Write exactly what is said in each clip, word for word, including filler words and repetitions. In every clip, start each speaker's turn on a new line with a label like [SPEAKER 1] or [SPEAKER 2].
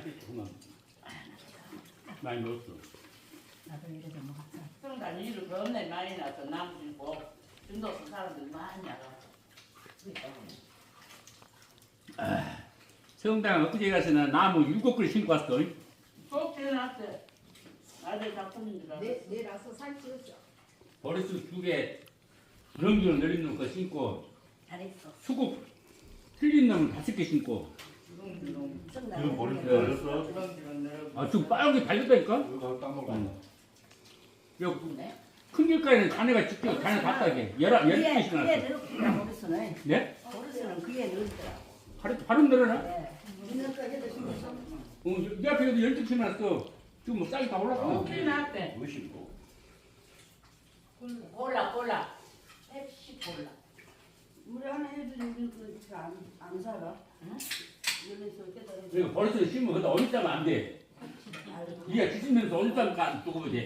[SPEAKER 1] 맛있어 그만. 많이 넣었어.
[SPEAKER 2] 나도 이래서 먹었어.
[SPEAKER 3] 성당 일을 겁내 많이 나서 남주고 중도서 사람들 많이 알아.
[SPEAKER 1] 성당 엊그제 가서는 나무 일곱 그루 심고 왔어.
[SPEAKER 3] 꼭 지어놨대. 아들 작품인 줄 알았어.
[SPEAKER 4] 내 내라서 살찌웠어.
[SPEAKER 1] 버릇을 두개 주렁주렁 내린 놈거 심고
[SPEAKER 2] 잘했어.
[SPEAKER 1] 수국 틀린 놈을 다섯 개 심고.
[SPEAKER 2] 성당에
[SPEAKER 5] 이거 머리
[SPEAKER 2] 가면
[SPEAKER 5] 걸렸어?
[SPEAKER 3] 주렁주렁 내려고.
[SPEAKER 1] 아 지금 빨갛게 달렸다니까?
[SPEAKER 5] 이거 가서 딴 먹어.
[SPEAKER 1] 응. 여기
[SPEAKER 3] 네?
[SPEAKER 1] 큰 길가에는 자네가 직접 자네 갔다 게 열한 열두
[SPEAKER 2] 그에
[SPEAKER 1] 개씩
[SPEAKER 2] 그에
[SPEAKER 1] 났어.
[SPEAKER 2] 넣었구나 버릇은.
[SPEAKER 1] 네?
[SPEAKER 2] 버릇은 그에 넣었더라고.
[SPEAKER 1] 바로 바로 늘어나?
[SPEAKER 2] 네.
[SPEAKER 4] 있는 가게도 심어서.
[SPEAKER 1] 어, 내 앞에도 열두 개 났어. 지금 뭐 쌀이 다 올랐어.
[SPEAKER 3] 꼭 지어놨대.
[SPEAKER 5] 무심고.
[SPEAKER 3] 골라 골라. 펩시 골라.
[SPEAKER 4] 우리 하나 해주는 그안안 살아.
[SPEAKER 3] 응?
[SPEAKER 4] 여기서 깨달아.
[SPEAKER 1] 이거 버릇을 심으면 그다 어디 있다면 안 돼. 네가 뒤집면서 어디 있다면 안 두고 돼.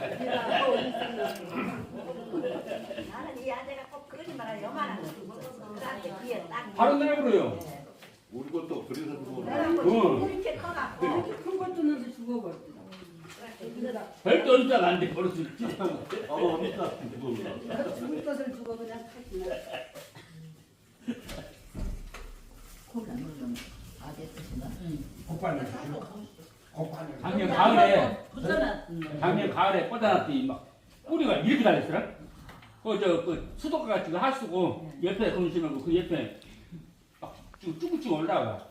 [SPEAKER 2] 나는 이 아재가 꼭 거짓말을 요만한 거 있었어. 그한테 귀에 딱.
[SPEAKER 1] 바로 내버려요.
[SPEAKER 2] 네.
[SPEAKER 5] 우리 것도 그래서 주고.
[SPEAKER 2] 그래갖고
[SPEAKER 1] 응.
[SPEAKER 2] 이렇게 커갖고.
[SPEAKER 4] 이렇게 큰 것도 넣어서 죽어버렸다.
[SPEAKER 1] 절대 어디 있다면 안 돼. 버릇을 찢어면.
[SPEAKER 5] 아, 없다. 이거
[SPEAKER 4] 죽을 것을 죽어 그냥 탔구나.
[SPEAKER 2] 콜라 넣으면 아재 뜻인가?
[SPEAKER 6] 곱발을 곱발을
[SPEAKER 1] 작년 가을에
[SPEAKER 3] 붙여놨.
[SPEAKER 1] 작년 가을에 뻗어놨더니 막 뿌리가 이렇게 달렸더라. 그저그 수도가 같이 그 하수고 옆에 건심하고 그 옆에 막 쭉쭉쭉 올라가.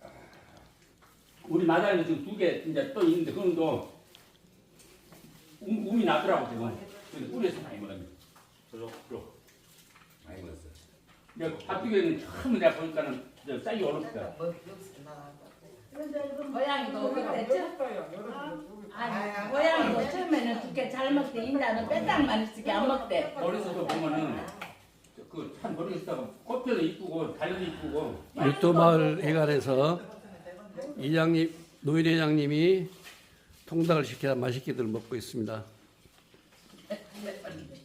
[SPEAKER 1] 우리 마당에도 지금 두 개 이제 또 있는데 그놈도 움, um이 나더라고 지금. 그래서 뿌리에서 많이 먹었네.
[SPEAKER 5] 저쪽, 저쪽. 많이 먹었어.
[SPEAKER 1] 내가 밭두개는 처음 내가 보니까는 저 쌀이 얼었다.
[SPEAKER 3] 고양이도 그랬죠? 아니 고양이도 처음에는 두개 잘 먹대. 인자는 빼딱만 있을게 안 먹대.
[SPEAKER 1] 버릇에서 보면은 그 참 버릇에다가 꽃피도 이쁘고 달려도 이쁘고.
[SPEAKER 7] 일도마을 회관에서 이장님, 노인 회장님이 통닭을 시켜 맛있게들 먹고 있습니다.